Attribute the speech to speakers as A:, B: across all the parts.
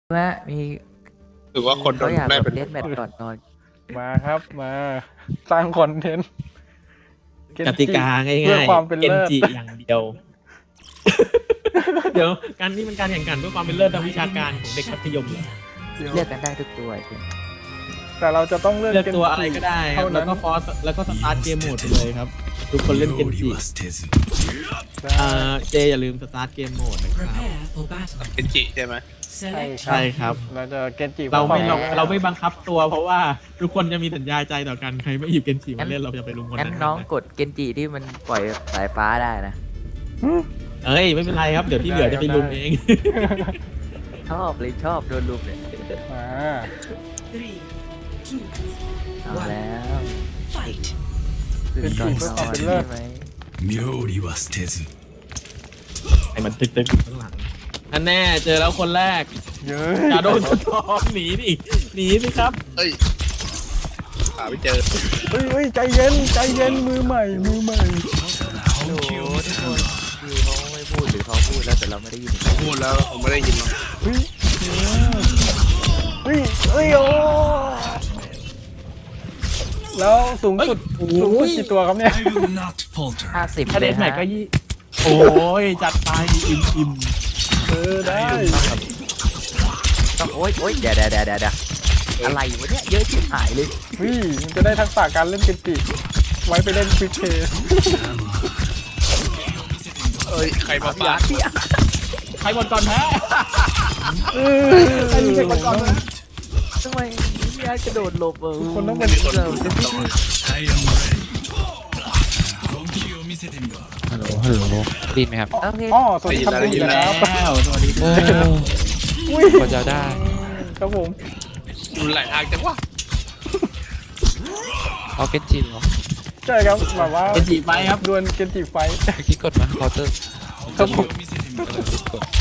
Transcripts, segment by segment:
A: ว่ามี
B: หรือว่าคนโด
A: เขา
B: น
A: อยาก
B: ได้
A: แบบ
B: เป็น
A: เล่นแมตช์ก่อนนอน
C: มาครับมาสร้างคอนเทนต์เน
D: ก
C: จิ
D: ติกาง่ายๆ
C: เพื่อความเป็น
D: เกน
C: เลิศ
D: จิอย่างเดียว เดี๋ยวการนี้มันการแข่งขันเพื่อความเป็นเลิศทางวิชาการของเด็กมัธยม
A: เลือกกันได้ทุกตัวจริง
C: แต่เราจะต้องเลือก
D: เลือกตัวอะไรก็ได้ครับ
C: เท่า
D: แล้
C: นั้
D: วน ก็ฟอสแล้วก็สตาร์ทเกมโหมดไปเลยครับ ทุกคนเล่นเกนจิเจอย่าลืมสตาร์ทเกมโหมดนะครับ
B: เป็นจิใช่ไหม
D: ใช่ครับ
C: เราจะเกนจิ
D: เราไม่
C: คว
D: เราไม่บังคับตัวเพราะว่าทุกคนจะมีสัญญาใจต่อกันใครไม่หยิบเกนจิมาเล่นเราจะไปลุมคน
A: งั้น
D: นั้น
A: น้องกดเกนจิที่มันปล่อยสายฟ้าได้นะ
D: เอ้ยไม่เป็นไรครับเดี๋ยวที่เหลือจะไปลุมเอง
A: ชอบเลยชอบโดนลุมเนี่ย
C: มา
A: เอาแล้วตื่นก่อนนอนใช่ไหม
E: 妙理は捨てず
D: ไอ้มันตึกๆอยู่ข้างหลังอันแน่เจอแล้วคนแรก
C: เยอะ
D: อย่าโดนสะท้อนหนีสิครับ
B: เอ้ยหาไม่เจอ
C: เฮ้ยใจเย็นมือใหม่
A: โอ้โหทุกคนคือเขาไม่พูดหรือเขาพูดแล้วแต่เราไม่ได้ยิน
B: พูดแล้วผมไม่ได้ยินหรอก
C: เฮ้ยโอ้แล้วสูงสุดกี่ตัวครับเนี่ย
E: I will not falter
A: 50
D: ถ้า
A: เล
D: เด็
A: ย
D: กใหม่
A: ฮะ
D: ก็โอ้ยจัดไปอิ่ม
C: ได้
A: ต้องโอ๊ยเดี๋ยวอะไรวะเนี่ยเยอะชิบหายเลย
C: เฮ้ยมันจะได้ทักษะการเล่นเกนจิไว้ไปเล่นควิกเพย์
B: เอ้ยใครมาปาด
D: ใครหมดก่อนแพ้ใครหมดก่อนแพ้
A: ทำไมพี่อาร์ตกระโดดหลบ
C: คนต้องเป็น
A: เราจะ
E: I am ready 本気を見せてみろ
F: ฮัลโหลได้ยินไหมครับ
A: โอเค
C: อ๋อสวัสดีครับคุณนะครับ
D: แล้วสวัสดีครับ
C: อุ้ย
F: พอจะได้
C: ครับผม
B: ดูหลายทางจังวะ
F: เอาเกนจิเหรอ
C: ใช่ครับแบบว่า
D: เกนจิไฟครับ
C: ดวลเกนจิไฟ
F: เมื่อกี้กดมาเคาน์เตอร์
C: ครับผม
E: 見せてみろ
F: กด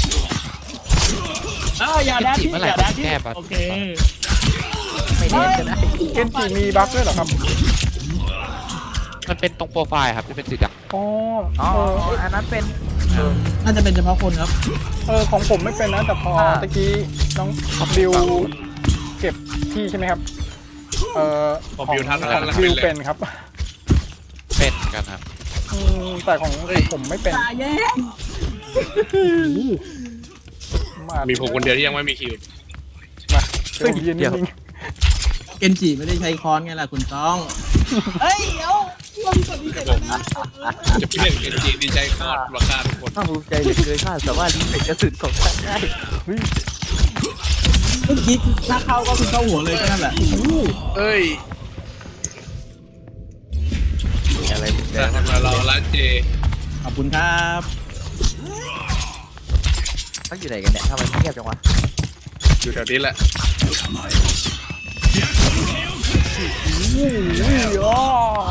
D: อย่าแดดที่
F: เมื่อไหร่
D: อย่าแดดที่
F: แก้บัตร
D: โอเค
A: ไม่เล่นก็ได้
C: เกนจิมีบั๊กด้วยเหรอครับ
F: มันเป็นตรงโปรไฟล์ครับที่เป็นสีด
C: อ๋อ
A: อ๋ออันนั้นเป็น
D: น่าจะเป็นเฉพาะคนครับ
C: ของผมไม่เป็นนะแต่พอตะกี้น้องบิวเก็บที่ใช่ไหมครับของบิวเป็นครับ
F: ำเป็นกันครับ
C: แต่ของผมไม่เป็นมา
B: มีผมคนเดียวที่ยังไม่มีคิว
C: มาเดี๋ยวผมยืนนิ่ง
D: เกนจิไม่ได้ใช้ค้อนไงล่ะคุณต้องเฮ้ยเดี๋ยว
B: ผมจะเปลี่ยนเป็นจีดีใจคาดราคาทุกคน
A: ภาคภูมิใจเหลือเกินข้าสามารถรีเฟกกระสุนของท่านได้
C: เฮ้ย
D: เมื่อกี้ถ้าเข้าก็คือเข้าหัวเลยแค่นั้นแหละ
B: เอ้ย
A: อะไรเป็น
B: แต่ทำไมเราละเจ
D: ขอบคุณครับ
A: เขาอยู่ไหนกันเนี่ยทำไมเงียบจังวะ
B: อยู่แถวนี้แหละ
C: โอ้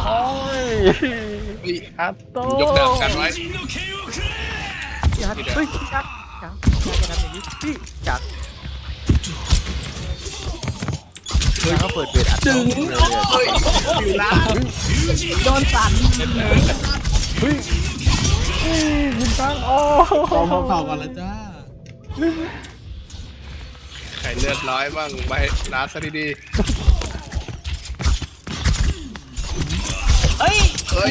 C: ยอัตโต้
B: ยกดาบกันไว้
A: จักเฮ้ยจักจะทำอย่างนี้พี่จักเขาเปิดเปิดอัด
D: ดึง
B: เฮ้ยอยู่ร้าน
D: โดนสั่น
C: เฮ้ยยิงตั้งโอ้
D: ขอเข่าก่อนละจ้า
B: ใครเลือดร้อยบ้างไปร้านซะดี
D: เฮ้ย
B: ๆเฮ้ย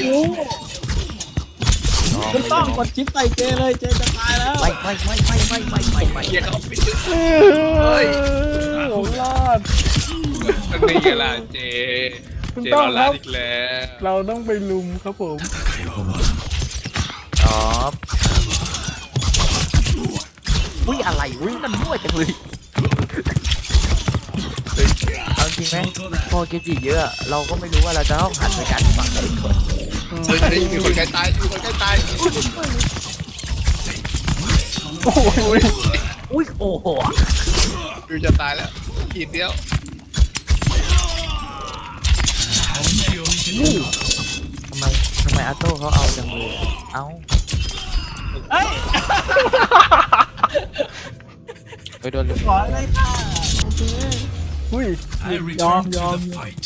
D: คุณต้องกดชิปใส่เจเลยเจจะตายแล้ว
A: ไม่
B: เกียร์เขาปิดเฮ้ย
C: ผมรอด
B: นี่ไงล่ะเจ
C: คุณ
B: เจ
C: ต้อ
B: เรา
C: งค
B: ร้า
C: รั
B: น
C: บ
B: อีกแล้ว
C: เราต้องไปลุมครับผม
A: อ๋ออุ้ยอะไรอุ้ยมันมั่วจังเลยเอาจริงไหมพอเกจิเยอะเราก็ไม่รู้ว่าเราจะต้องหันไปการฝั่งไหนก่อน
B: เฮ้ยมีคนใกล้ตายมีคนใกล้ตาย
C: โอ้ย
A: อุ้ยโอ้โห
B: วิวจะตายแล้วขีดเดียว
A: ทำไมอาโต้เขาเอาจังเลยเอา
F: ไปโดนลุม
D: ขอเลยค่ะ
C: อุ้ย
E: I return to the fight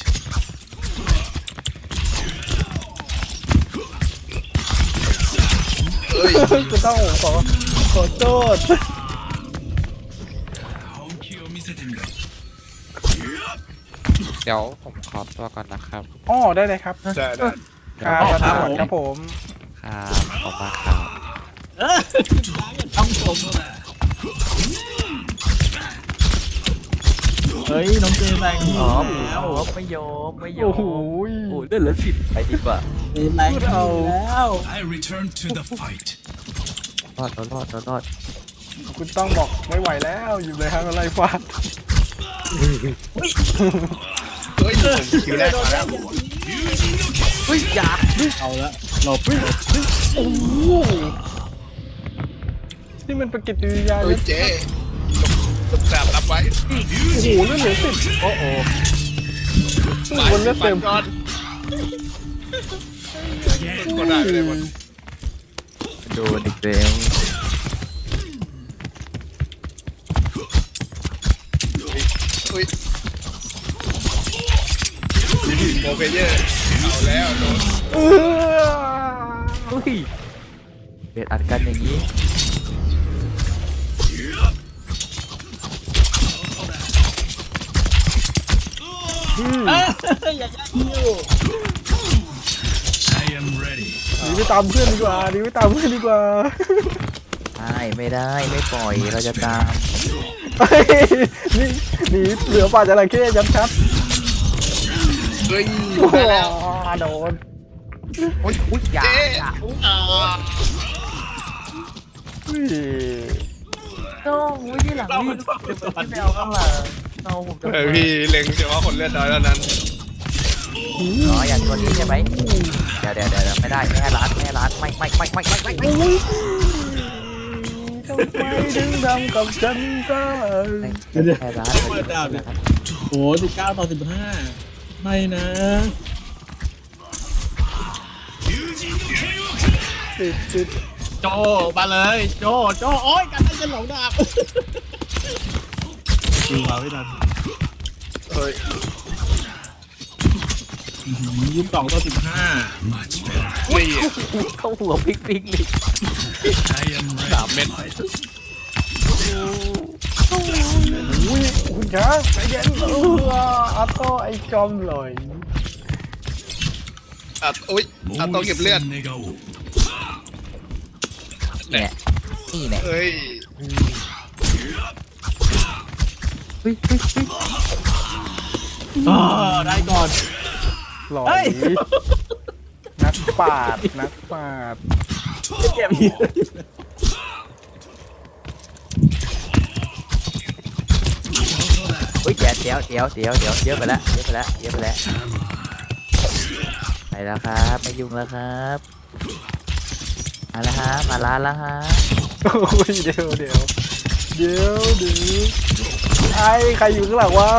B: เฮ้ย
C: คุณต้องขอโทษ
E: 本気をを見せてみろ
F: เดี๋ยวผมขอตัวก่อนนะครับ
C: อ๋อได้เลยครับ
B: ได้ได้
C: ครับครับผม
F: ครับขอบคุณครับ
D: ต้องผมเฮ้ยน้องเจแรง
A: อ๋อ
D: แล้ว
A: ไม่ยอมไม่ยอ
C: โอ้
A: ม
C: โห
A: โอ้เลือดเหลือ10ไปดีกว่า
D: เจแรงแล้ว
E: I return to the fight
A: รอด
C: คุณต้องบอกไม่ไหวแล้วอยู่เลยครับอะไรฟาด
B: เฮ้ยผมคิวแรกมาแล้ว
A: เฮ้ยอย่า
D: เอาละหลบ
C: โอ้โหนี่มันเป็นกิจกิริยา
B: เฮ้ยเจ๊ลบแสบรับไว้
C: โอ้โหเลือดเหลือ10โอ้โหบนเลือดเต็ม
B: ก่อนก็ได้เลยมัน
A: โดนอีกแล้ว
B: อุ้ยโมเพเยอร์เอาแล้วโดน
A: เฮ้ยเบียดอัดกันอย่างนี้
D: อย่าคิว
E: I am ready
C: หนีไปตามเพื่อนดีกว่าหนีไปตามเพื่อนดีกว่า
A: ไม่ได้ไม่ปล่อยเราจะตาม
C: เฮ้ยนี่หนีเหลือป่าจระเข้ยับชัด
B: เฮ้ย
C: โอ้โห
B: มาแล้ว
C: โดน
A: อุ้ยอย่า
B: เจ๊
A: อย่า
C: อุ้ย
A: โน้อุ้ยที่หลังนี่เดี๋ยวพี่ไปเอาข้างหลังเอาผมจะ
B: เฮ้ยพี่เล็งเฉพาะคนเลือดน้อยเท่านั้น
A: อ๋ออย่างตัวนี้ใช่ไหมเดี๋ยวไม่ได้ไม่ให้ร้านไม่
C: ทำไมถึงทำกับฉันได้
A: ให้ร้าน
D: เปิดดาวเนี่ยโอ้19-15ไม่นะ
C: ติด
D: โจมาเลยโจโอ้ยกันได้จะหลงดาบดูมาไม่ทัน
B: เฮ้ย
D: 22-15
E: much better
B: นี่
A: เข้าหัวปิ๊กเลย
E: I am
B: 3
E: ready
B: เม็ด
C: อุ้ยคุณช้างใจเย็นอัตโต้ไอ้จอมเลย
B: อุ้ยต้องเก็บเลือด
E: 願おう
A: เนี่ยนี่เนี่ย
B: เฮ้ย
A: เฮ้ย
D: ได้ก่อน
C: หล่อยนักปาด
D: เก็บอีก
A: เฮ้ยเดี๋ยวเยอะไปแล้วไปแล้วครับไม่ยุ่งแล้วครับมาแล้วฮะมาร้านแล้วฮะ
C: โอ้ยเดี๋ยวไอ้ใครอยู่ข้างหลังวะ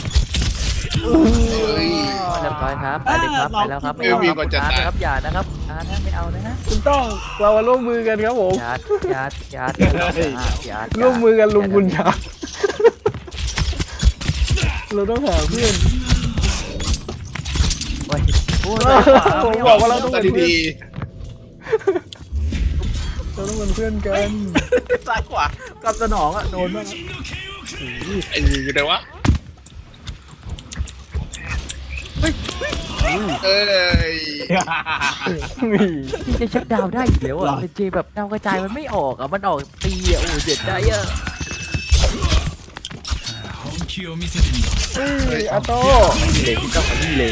A: เรียบร้อยครับไปเลยครับไปแล้วครับไม่เอาครับอย่านะครับไม่เอานะฮะ
C: คุณต้องเรามาร่วมมือกันครับผม
A: อย่า
C: ร่วมมือกันลุมคุณช้างเราต้องหาเพื่อน
A: โอ้ย
C: ผมบอกว่าเราต้อง
B: ตั
C: เป็
B: วน
C: เพื่อน
B: ดี
C: เราต้องเป็นเพื่อนกัน
D: ซ้ายขวากับสนองอ่ะโดนมาก
B: ๆไอ้อยู่ไหนวะเอ้ย
A: พี่จะชักดาวได้อีกแล้วอ่ะเจแบบดาวกระจายมันไม่ออกอ่ะมันออกตีอ่ะโอ้เจ็บใจอ่ะ
E: 本気を見せてみろ
C: เฮ้ยอาโต้
A: เลยพี่ต้องมาที่เลย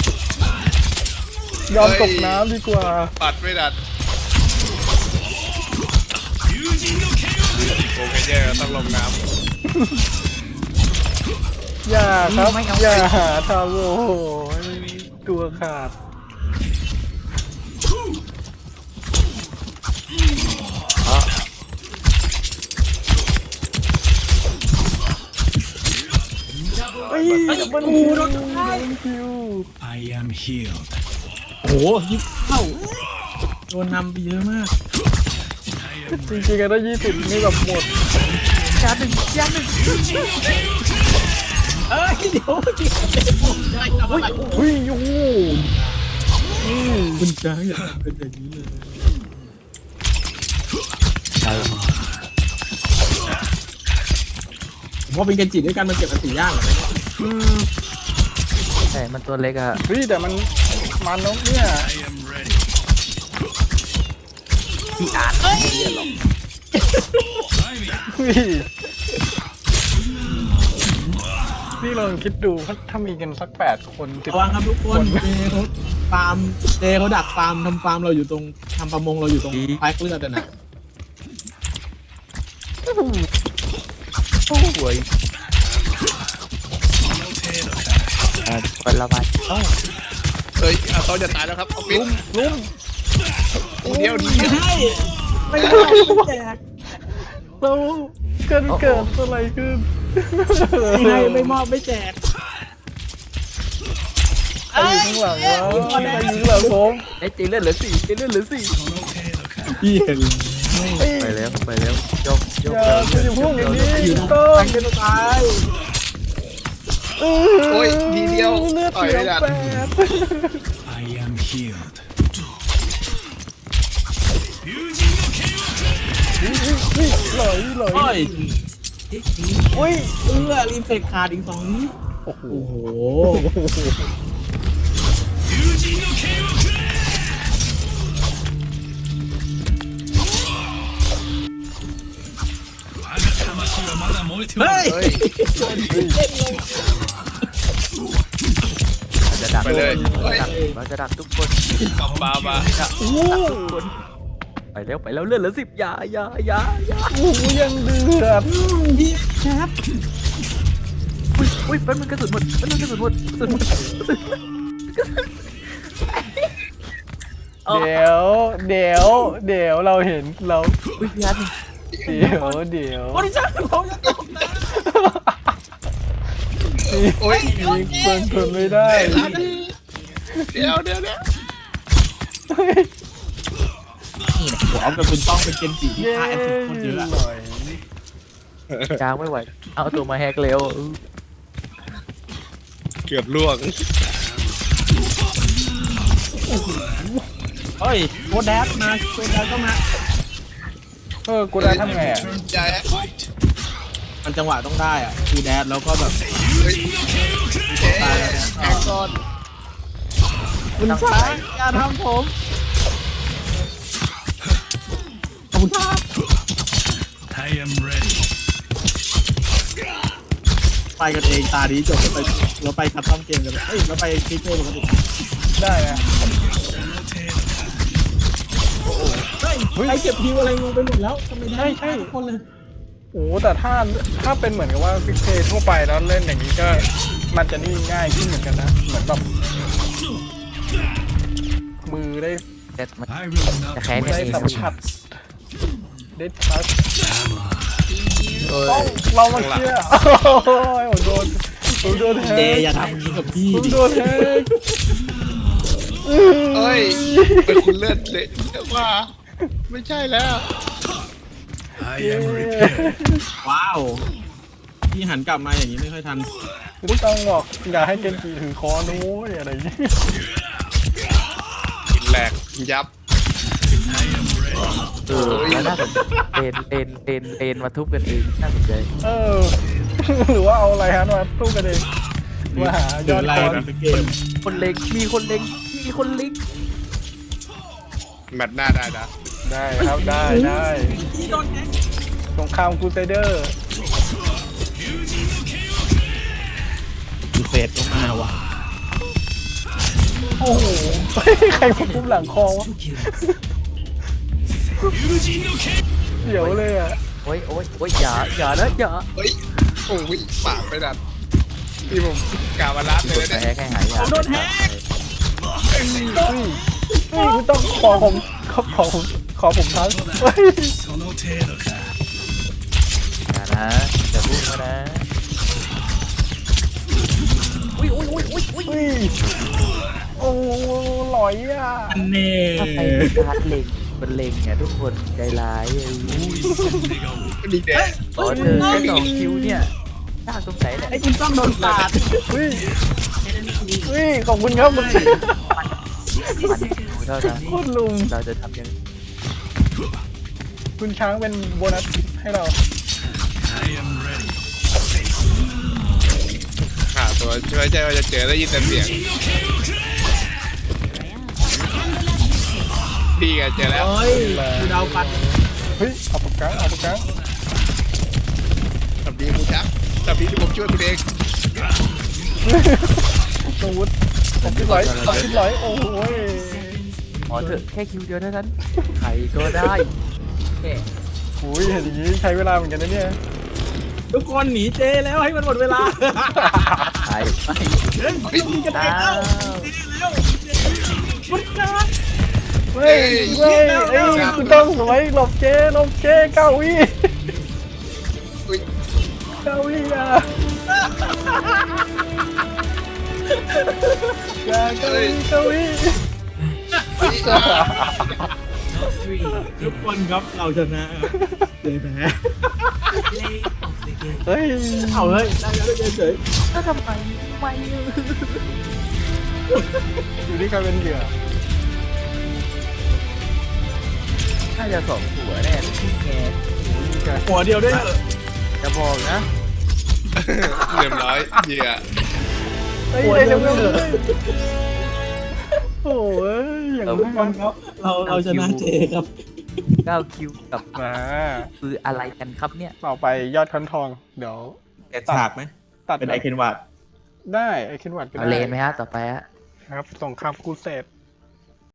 C: ยอมตกน้ำดีกว่า
B: ปัดไม่ดัดโมเพเยอร์ต้องลงน้
C: อย่าครับอย่าหาทำโอ้โหตัวขาดเฮ้ยมันโดนคิว
E: I am healed
D: โอ้โหยิงเข้าโดนนำไปเยอะมาก
C: จริงๆกันได้20นี่แบบหมด
A: ยาหนึ่ง
D: เอ้ยเดี๋ยวได้ทำอะไร
C: เฮ้ยโอ้โห
D: คุณช้างอย่าทำเป็นอย่างนี้เลย
A: เ
D: เพราะเป็นเกนจิด้วยกันมันเก็บอันตียากเหมือนกัน
A: ใช่มันตัวเล็กอะ
C: เฮ้ยแต่มันนกเนี่ย
E: I am ready.
A: พี่อาร์ตไม่เรียนหรอก
E: Try me.
C: เฮ้ยนี่ลองคิดดูถ้ามีกันสัก8 คน10
D: ระวังครับทุกคนเจเขาฟาร์มเจเขาดักฟาร์มทำฟาร์มเราอยู่ตรงทำประมงเราอยู่ตรงพายเลือดนะ
A: โอ้ยคนละวันเอ้า
B: เฮ้ยอาโต้จะตายแล้วครับเอาปิด
C: ลุ้ม
B: เดียว
D: ไม่ให้ไม่ให้แจก
C: เราเกิดอะไรขึ้น
D: ไม่ให้ไม่มอบไม่แจก
C: ใครอยู่ข้างหลังวะใครอยู่ข้างหลังผม
A: ไอ้จีเลือดเหลือ4จีเลือดเหลือ4
D: พี่เห็น
A: ไปแล้วยก
C: อย่าพูดอย่างนี้
D: อยู่ตรง
C: ต้
D: ทางเดินตาย
B: โอ้ยทีเดียว
C: เลือด
B: ต่อย
C: เหลื
B: ไม่
C: อ
B: ได้
C: 8
E: I am healed.
C: หลอย
D: โอ้ย
C: อุ้ย
D: รีเฟกขาดอีก2นิ้ว
C: โอ้โห
D: โอ้โห
E: 魂はまだ燃えておる。
D: เฮ้ย
B: เฮ้ย
A: จะดัก
B: ไปเลยเฮ้ย
A: เราจะดักทุกคน
B: กลับมามา
A: ไปแล้วเลือดเหลือ10อย่า
C: โอ้โหยังเดือด
D: พี่แคป
A: อุ้ยมันกระสุนหมดกระสุนหมด
C: เดี๋ยวเราเห็นเรา
A: อุ้ยพี่อาร์ต
C: เดี๋ยว
D: โอ้ยจ้าผมจะตกนะ
B: โอ้ย
C: มีคนทนไม่ได้
B: เดี๋ยว
D: ผมเอากระสุนต้องเป็นเกนจิที่
C: เย้
D: ฆ่าแอสซิสต์คนเยอะอะ
C: หน่อย
A: จางไม่ไหวเอาตัวมาแฮกเร็ว
B: เกือบล่วง
D: เฮ้ยโคแดดมาโคแดดก็มา
C: กูได้ทำไงอ่ะ
B: ใจฮะ
D: มันจังหวะต้องได้อ่ะคือแดดแล้วก็แบบ
B: เฮ้ยแข่งก่อน
D: คุณชายอย่าทำผมขอบคุณครับ
E: I am ready.
D: ไปกันเองตาดีจบเราไปคัดต้อมเกมกันเอ้ยเราไปคลิกเกมปกติ
C: ได้นะ
D: เฮ้ยใครเก็บฮิวอะไรงงไปหมดแล้วทำไมได้ทุกคนเลย
C: โอ้แต่ถ้าเป็นเหมือนกับว่าฟิกเททั่วไปแล้วเล่นอย่างนี้ก็มันจะนี่ง่ายขึ้นเหมือนกันนะเหมือนแบบมือได้
A: แต่มัน
E: I will not
A: จะแค้น
E: waste
A: กันเอง
C: สัมผัส ได้ทัช
E: ammo.
C: ต้องเรามาเชียร์โอ้ยผมโดนแฮ
D: เจ
C: ก
D: อย่าทำอย่างนี้กับพี่
C: ผม
D: ดิ
C: โดนแฮก
B: เฮ้ยเป็นคุณเลือดเลยว่าไม่ใช่แล้ว
E: I am repaired.
D: ว้าวพี่หันกลับมาอย่างนี้ไม่ค่อยทัน
C: ไม่ต้องบอกอย่าให้เกนจิถือคอนุ้ยอะไรอย่างนี้
B: กินแหลกยับ
E: I am ready.
A: แล้วน่าสนใจเตนมาทุบกันเองน่าสนใจ
C: หรือว่าเอาอะไรฮะมาสู้กันเองมาหายอด
D: ไล่
C: คอน
D: กันเกม
A: คนเล็งมีคนเล็ง
B: แมตช์หน้าได้นะ
C: ได้ครับได้สงครามครูเซเดอร์
D: ดูเฟสก็มาว่ะ
C: โอ้โหใครมาคุ้มหลังคอวะเดี๋ยวเลยอ่ะ
A: โอ้ยอย่านะอย่า
B: เฮ้ยโอ้ยปากไปดันที่ผมกามาลัดเลย
A: แต่
B: เนี่ย
A: แฮกให้หายอย่า
D: โดนแฮก
C: ไม่ต้องขอผมทักเฮ้ย
E: その程度か。
A: อย่านะอย่าพูดมานะอุ้ย
C: เฮ้ยโอ้หลอยอ่ะ
D: อันเน่
A: ถ้าใครเป็นการเล็งมันเล็งเนี่ยทุกคนใจร้าย
B: ดีแดง
A: ขอเจอแค่2คิวเนี่ยน่าสงสัยเนี่ย
D: ไอ้คุณต้องโดนปาด
C: เฮ้ยขอบคุณครับคุณ
A: มันดูเท่านั้น
C: โคตรลุง
A: เราจะทำยัง
C: คุณช้างเป็นโบนัสให้เรา
E: I am ready.
B: ไม่ใช่ว่าจะเจอได้ยินแต่เสียงดีกันเจอแล้ว
D: เฮ้ยดูดาวปัด
C: เฮ้ยเอาปากกาเอาปากกา
B: ทำดีมูชักทำดีที่ผมช่วยคุณเอง
C: อาวุธผมคิดไหลผมคิดไหลโอ้ย
A: ขอเถอะแค่คิวเดียวเท่านั้นใครก็ได้แค่
C: โอ้ยเห็นอย่างนี้ใช้เวลาเหมือนกันนะเนี่ย
D: ทุกคนหนีเจแล้วให้มันหมดเวลา
A: ใครไม่
D: เฮ้ยมึงจะไป
A: อ้า
D: แล้ว
A: ว
D: พุทธะ
C: เฮ้ยเฮ้ยเอ้ยคุณต้องสวยหลบเจ๊เก้าวิ
B: อุ้ย
C: เก้าวิอ่ะอย่าเก้าวิ
D: ทุกคนครับเราชนะครับเจแพ้
C: เฮ้ย
D: เอาเฮ้ยได้แล้วได้เฉย
A: แล้วทำไมไม่
C: อยู่ที่ใครเป็นเหยื่อ
A: น่าจะ2 หัวแน่ที่แก
D: หัวเดียวด้วยเหรอ
A: จะบอกนะ
B: เรียบร้อยเหยื่อ
C: เฮ้ยได้เร็วเลยโอ้ยอย่าง
D: ทุกคน
C: นั้น
D: ครับเราชนะเจครับ
A: 9 คิวกับ
C: มา
A: คืออะไรกันครับเนี่ย
C: ต่อไปยอดคันทองเดี๋ยว
D: แกฉากไหม
C: ตัด
D: เป็นไอเคนวาด
C: ได้ไอเคนวัดก็
A: เอา
C: ได้
A: เลนไหมฮะต่อไปฮะ
C: ครับสงครามครูเสด